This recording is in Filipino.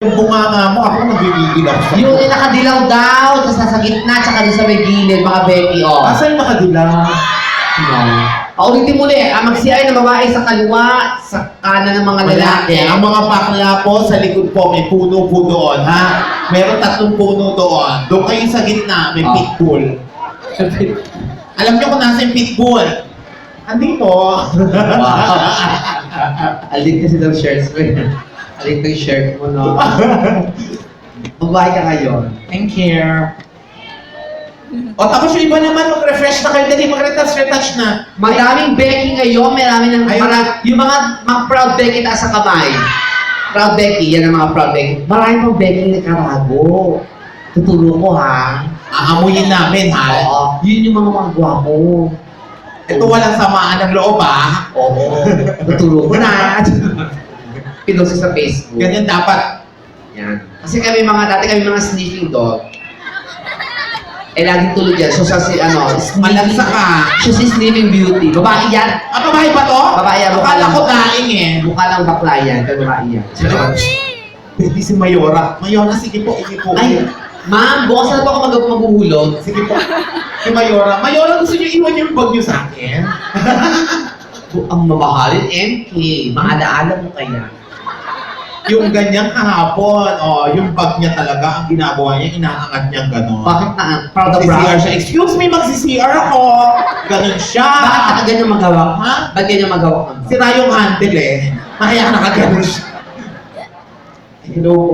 Yung bunganga mo, ako nagigigil ako sa Yung nakadilaw daw, tapos nasa gitna, tsaka doon sa may gilid, mga Becky, oh. Asa yung nakadilaw? No. Paulitin muli, mag-CR na babae sa kaliwa, sa kanan ng mga lalaki. Ang mga bakla po, sa likod po, may puno po doon, ha? Meron 3 puno doon. Doon kayo sa gitna, may pitbull. Alam niyo kung nasa yung pitbull? Andito. Wow. Alit kasi daw shirts mo. Alit yung shirt mo, no? Magbahay ka ngayon. Thank you. O tapos yung iba naman, mag-refresh na kayo. Dali, mag-retouch na. Madaming Becky ngayon, marami ng Ayun. yung mga proud Becky taas sa kamay. Proud Becky, yan ang mga proud Becky. Marami pang Becky na karago. Tuturo ko, ha? Aamuyin namin, ha? Oo. Yun yung mga gwapo. Ito walang samaan ng loob, ha? Oo. Tuturo ko na. Pinost sa Facebook. Ganyan dapat. Yan. Kasi kami dati kami mga sniffing dog. Eh, laging tulad yan. So, sa Malansa ka. Siya si Slimming Beauty. Babae yan. Ah, babae ba to? Babae yan. Akala ko daing eh. Mukha lang bakla yan. Pero babae yan. Pwede si Mayora. Mayora, sige po, sige po. Ay, ma'am, bukas na po ako maghuhulog. Sige po. Si Mayora. Mayora, gusto niyo iwan yung bag niyo sa akin? Ang mamahalin, MK. Maalaala mo kaya. Yung ganyang kahapon, yung bag niya talaga, ang ginagawa niya, inaangat niya gano'n. Bakit na? Proud of Magsi-CR proud. siya. Excuse me, magsi-CR ako. Ganon siya. Bakit ka ganyan magawa? Ha? Ba't ganyan magawa? Sira yung handle eh. Kaya nakaganon siya. Hello po.